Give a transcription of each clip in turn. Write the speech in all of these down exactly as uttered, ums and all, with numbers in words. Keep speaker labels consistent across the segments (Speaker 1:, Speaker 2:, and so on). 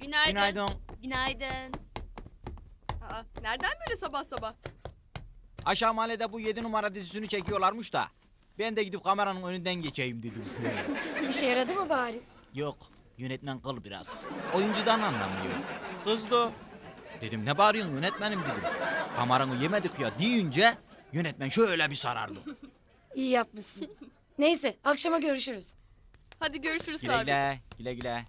Speaker 1: Günaydın.
Speaker 2: Günaydın.
Speaker 1: Günaydın.
Speaker 3: Aa, nereden böyle sabah sabah?
Speaker 2: Aşağı mahallede bu yedi numara dizisini çekiyorlarmış da. Ben de gidip kameranın önünden geçeyim dedim.
Speaker 4: İşe yaradı mı bari?
Speaker 2: Yok, yönetmen kıl biraz. Oyuncudan anlamıyor. Kızdı. Dedim ne bağırıyorsun yönetmenim dedim. Kameranı yemedik ya deyince yönetmen şöyle bir sarardı.
Speaker 4: İyi yapmışsın. Neyse akşama görüşürüz.
Speaker 3: Hadi görüşürüz
Speaker 2: Güle
Speaker 3: abi.
Speaker 2: güle, güle güle.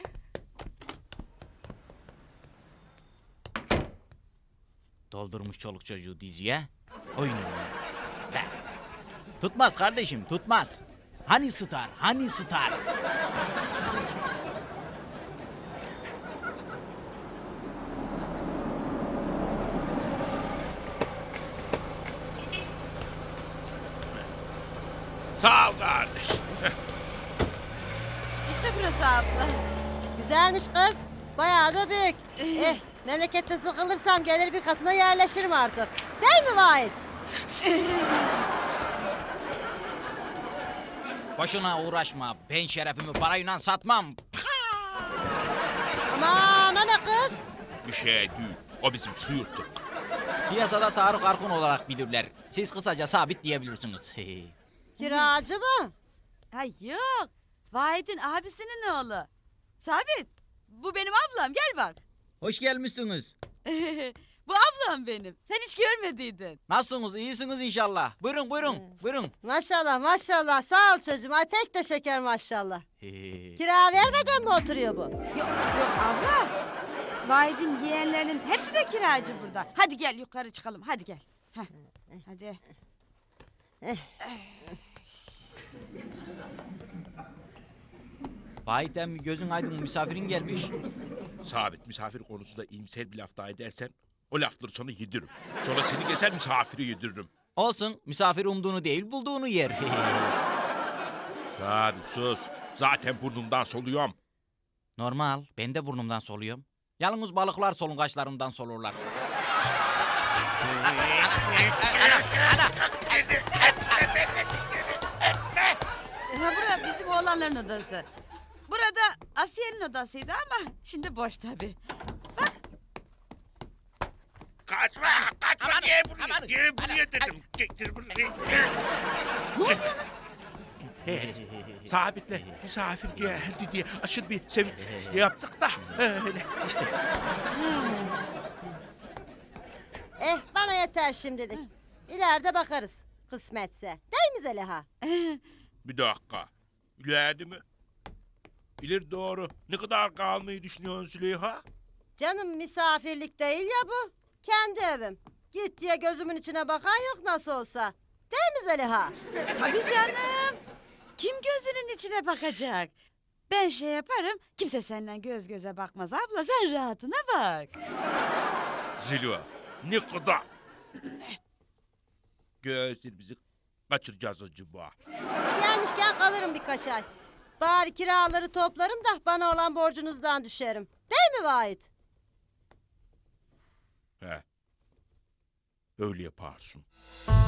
Speaker 2: Doldurmuş çoluk çocuğu diziye. Oyun oynuyor. Be. Tutmaz kardeşim, tutmaz. Hani star, hani star?
Speaker 5: Sağ ol kardeş.
Speaker 6: İşte burası abla. Güzelmiş kız. Bayağı da büyük. eh, memlekette sıkılırsam gelir bir katına yerleşirim artık. Değil mi Vahit?
Speaker 2: Boşuna uğraşma. Ben şerefimi parayla satmam.
Speaker 6: Aman o ne kız?
Speaker 5: Bir şey değil. O bizim suyurttuk.
Speaker 2: Piyasada Tarık Arkun olarak bilirler. Siz kısaca sabit diyebilirsiniz.
Speaker 6: Kiracı mı?
Speaker 7: Ay yok. Vahit'in abisinin oğlu. Sabit. Bu benim ablam. Gel bak.
Speaker 2: Hoş gelmişsiniz.
Speaker 7: Bu ablam benim. Sen hiç görmediydin.
Speaker 2: Nasılsınız? İyisiniz inşallah. Buyurun buyurun. Buyurun.
Speaker 6: Maşallah maşallah. Sağ ol çocuğum. Ay pek de şeker maşallah. Kira vermeden mi oturuyor bu?
Speaker 7: Yok yok abla. Vahit'in yeğenlerinin hepsi de kiracı burada. Hadi gel yukarı çıkalım. Hadi gel. Heh. Hadi.
Speaker 2: Vahit emmi gözün aydın misafirin gelmiş.
Speaker 5: Sabit misafir konusunda iyimser bir laf daha edersen o lafları sonra yediririm. Sonra seni gezer misafiri yediririm.
Speaker 2: Olsun misafir umduğunu değil bulduğunu yer.
Speaker 5: Sabit sus. Zaten burnumdan soluyorum.
Speaker 2: Normal ben de burnumdan soluyorum. Yalnız balıklar solungaçlarından solurlar.
Speaker 7: Ha, bura bizim oğlanların odası. Burada Asiye'nin odasıydı ama şimdi boş tabii.
Speaker 5: Kaçma, kaçma. Gel buraya, gel buraya dedim. Getir buraya.
Speaker 7: Ne oluyorsunuz?
Speaker 5: Sabit'le misafir geldi diye aşırı bir sevin yaptık da öyle işte.
Speaker 6: Eh bana yeter şimdilik. İleride bakarız. Kısmetse. Değil mi Zeliha?
Speaker 5: Bir dakika. İleride mi? İleri doğru. Ne kadar kalmayı düşünüyorsun Züleyha?
Speaker 6: Canım misafirlik değil ya bu. Kendi evim. Git diye gözümün içine bakan yok nasıl olsa. Değil mi Zeliha?
Speaker 7: Tabii canım. Kim gözünün içine bakacak? Ben şey yaparım, kimse senden göz göze bakmaz abla, sen rahatına bak.
Speaker 5: Züleyha ne kadar? Gözlerimizi kaçıracağız acaba.
Speaker 6: E gelmişken kalırım birkaç ay. Bari kiraları toplarım da bana olan borcunuzdan düşerim. Değil mi Vahit?
Speaker 5: He. Öyle yaparsın.